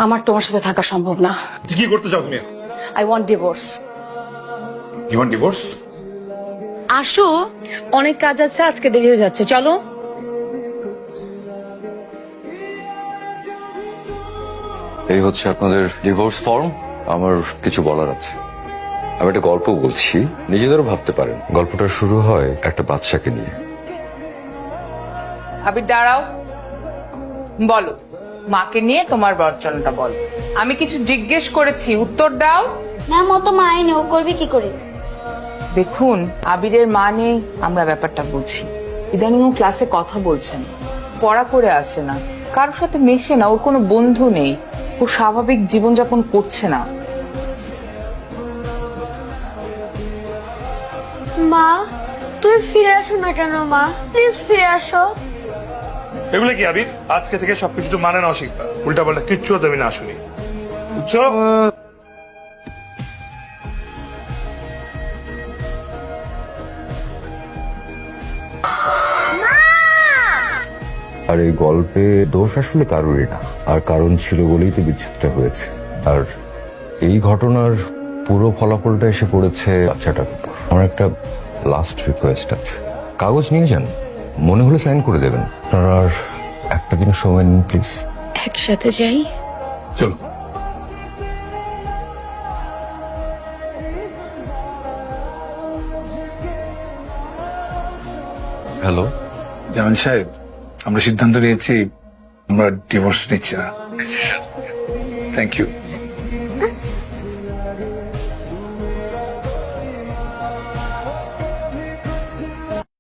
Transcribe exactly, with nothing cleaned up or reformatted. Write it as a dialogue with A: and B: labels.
A: আমার তোমার সাথে থাকা সম্ভব না।
B: তুই কি করতে চাও তুমি?
A: I want divorce.
B: You want divorce?
A: আসো, অনেক কাজ আছে, আজকে দেরি হয়ে যাচ্ছে, চলো।
C: এই হচ্ছে আপনাদের ডিভোর্স ফর্ম। আমার কিছু বলার আছে। আমি একটা গল্প বলছি, নিজেদেরও ভাবতে পারেন। গল্পটা শুরু হয় একটা বাচ্চাকে নিয়ে।
D: আবির দাঁড়াও, বলো মাকে নিয়ে তোমার বর্জনটা বলো। আমি কিছু জিজ্ঞেস করেছি, উত্তর দাও।
E: ম্যাম ও তো মায়ের নেই, ও করবে কি করে?
D: দেখুন, আবিরের মা নেই, আমরা ব্যাপারটা বুঝি। ইদানিং ও ক্লাসে কথা বলছে না, পড়া করে আসে না, কারোর সাথে মেশে না, ওর কোনো বন্ধু নেই, ও স্বাভাবিক জীবনযাপন করছে না।
E: মা তুমি ফিরে আসো না কেন? মা প্লিজ ফিরে আসো।
B: এগুলো কি আবির? আজকে থেকে সবকিছু তো মানে নাও শিখবা। উল্টা পাল্টা কিচ্ছু তুমি না শুনি, বুঝছো?
C: আর এই গল্পে দোষ আসলে কারোরই না, আর কারণ ছিল বলেই তো বিচ্ছেদটা হয়েছে। আর এই ঘটনার পুরো ফলাফলটা এসে পড়েছে বাচ্চাটার উপর। আমার একটা লাস্ট রিকোয়েস্ট আছে, কাগজ নিয়ে যান, মনে হলে সাইন করে দেবেন। আপনারা আর একটা দিন সময় নিন প্লিজ।
A: একসাথে যাই।
B: চলো।
C: হ্যালো
F: জামান সাহেব, আমরা সিদ্ধান্ত নিয়েছি আমরা ডিভোর্স নিচ্ছি না। Thank you.